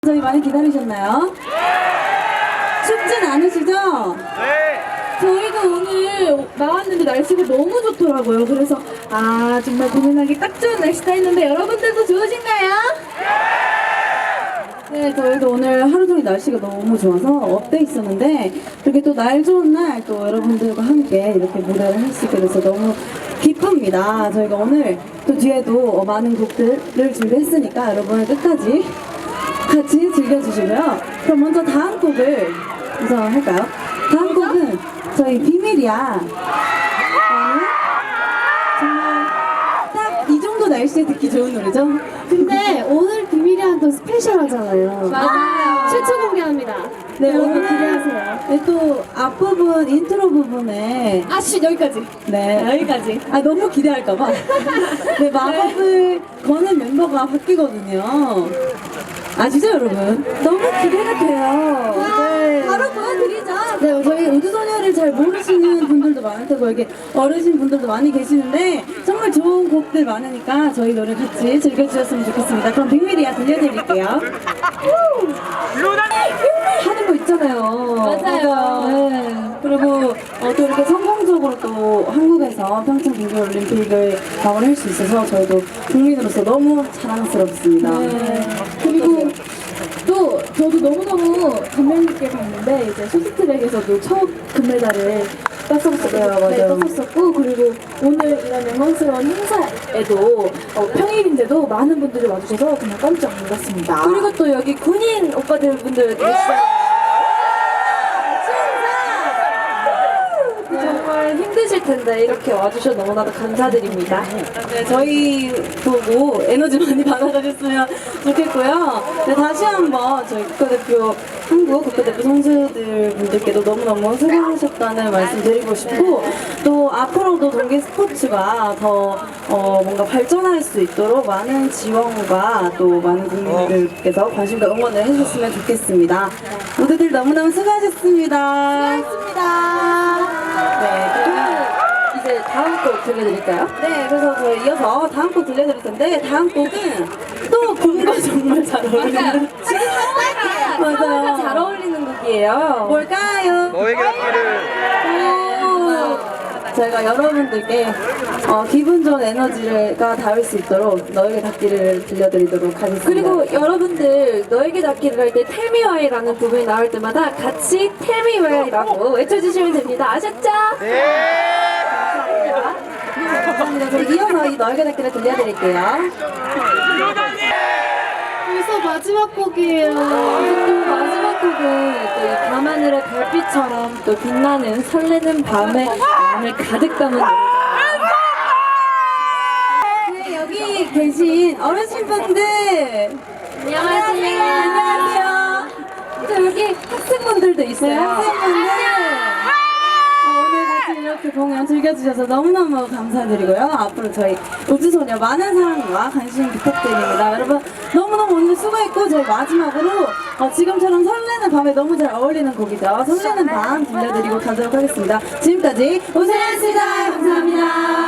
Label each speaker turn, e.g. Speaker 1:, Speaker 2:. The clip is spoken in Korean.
Speaker 1: 저희 많이 기다리셨나요? 춥진 않으시죠?
Speaker 2: 네.
Speaker 3: 저희가 오늘 나왔는데 날씨가 너무 좋더라고요. 그래서 정말 공연하기 딱 좋은 날씨다 했는데 여러분들도 좋으신가요?
Speaker 1: 네, 저희도 오늘 하루 종일 날씨가 너무 좋아서 업돼 있었는데 이렇게 또 날 좋은 날 또 여러분들과 함께 이렇게 무대를 할 수 있게 돼서 너무 기쁩니다. 저희가 오늘 또 뒤에도 많은 곡들을 준비했으니까 여러분 끝까지 같이 즐겨주시고요. 그럼 먼저 다음 곡을 우선 할까요? 다음 곡은 저희 비밀이야. 정말 딱 이 정도 날씨에 듣기 좋은 노래죠?
Speaker 3: 근데 오늘 비밀이랑 또 스페셜하잖아요.
Speaker 1: 맞아요.
Speaker 3: 최초 공개합니다.
Speaker 1: 네,
Speaker 3: 여러분
Speaker 1: 오늘
Speaker 3: 기대하세요.
Speaker 1: 네, 또 앞부분 인트로 부분에
Speaker 3: 여기까지.
Speaker 1: 네
Speaker 3: 여기까지.
Speaker 1: 너무 기대할까봐 네 마법을 거는 멤버가 바뀌거든요. 아시죠 여러분? 너무 기대가 돼요. 네.
Speaker 3: 바로 보여드리죠.
Speaker 1: 네, 저희 우주소녀를 잘 모르시는 분들도 많을 테고 여기 어르신 분들도 많이 계시는데 정말 좋은 곡들 많으니까 저희 노래 같이 즐겨주셨으면 좋겠습니다. 그럼 빅밀이야 들려드릴게요. 하는 거 있잖아요.
Speaker 3: 맞아요.
Speaker 1: 네. 그리고 또 이렇게 성공적으로 또 한국에서 평창 동계올림픽을 마무리할 수 있어서 저희도 국민으로서 너무 자랑스럽습니다.
Speaker 3: 네. 그리고 또 저도 너무너무 감명 깊게 봤는데 이제 쇼트트랙에서도 첫 금메달을 땄었어요. 네,
Speaker 1: 맞아요.
Speaker 3: 땄었었고 그리고 오늘 이런 영광스러운 행사에도 평일인데도 많은 분들이 와주셔서 정말 깜짝 놀랐습니다.
Speaker 4: 그리고 또 여기 군인 오빠들 분들 계시잖아요. 정말 힘드실 텐데 이렇게 와주셔서 너무나도 감사드립니다.
Speaker 1: 네, 저희 보고 에너지 많이 받아가셨으면 좋겠고요. 네, 다시 한번 저희 국가대표, 한국 국가대표 선수들 분들께도 너무너무 수고하셨다는 말씀 드리고 싶고, 또 앞으로도 동계 스포츠가 더 뭔가 발전할 수 있도록 많은 지원과 또 많은 국민들께서 관심과 응원을 해주셨으면 좋겠습니다. 모두들 너무너무 수고하셨습니다. 수고하셨습니다. 네,
Speaker 4: 이제 다음 곡 들려드릴까요?
Speaker 1: 네, 그래서 저희 이어서 다음 곡 들려드릴 텐데 다음 곡은 또 봄과 정말 잘 어울리는
Speaker 4: 지금
Speaker 1: 맞아요.
Speaker 4: 잘 어울리는 곡이에요.
Speaker 1: 뭘까요?
Speaker 2: 너에게 닿기를.
Speaker 1: 저희가 여러분들께 기분 좋은 에너지가 닿을 수 있도록 너에게 닿기를 들려드리도록 하겠습니다.
Speaker 4: 그리고 여러분들 너에게 닿기를 할 때 Tell me why라는 부분이 나올 때마다 같이 Tell me why라고 외쳐주시면 됩니다. 아셨죠?
Speaker 1: 감사합니다. 저희 이어서 이 너에게 닿기를 들려드릴게요.
Speaker 3: 벌써 마지막 곡이에요.
Speaker 4: 또 마지막 곡은 또 이 밤하늘의 별빛처럼 또 빛나는 설레는 밤에 마음을 가득 담은 노래.
Speaker 1: 네, 여기 계신 어르신분들
Speaker 4: 안녕하세요.
Speaker 1: 안녕하세요. 또 여기 학생분들도 있어요. 학생분들. 오늘 같이 이렇게 공연 즐겨주셔서 너무너무 감사드리고요. 앞으로 저희 우주소녀 많은 사랑과 관심 부탁드립니다. 여러분 너무너무 오늘 수고했고 저희 마지막으로 지금처럼 설레는 밤에 너무 잘 어울리는 곡이죠. 설레는 밤 들려드리고 가도록 하겠습니다. 지금까지 우주소녀였습니다. 감사합니다.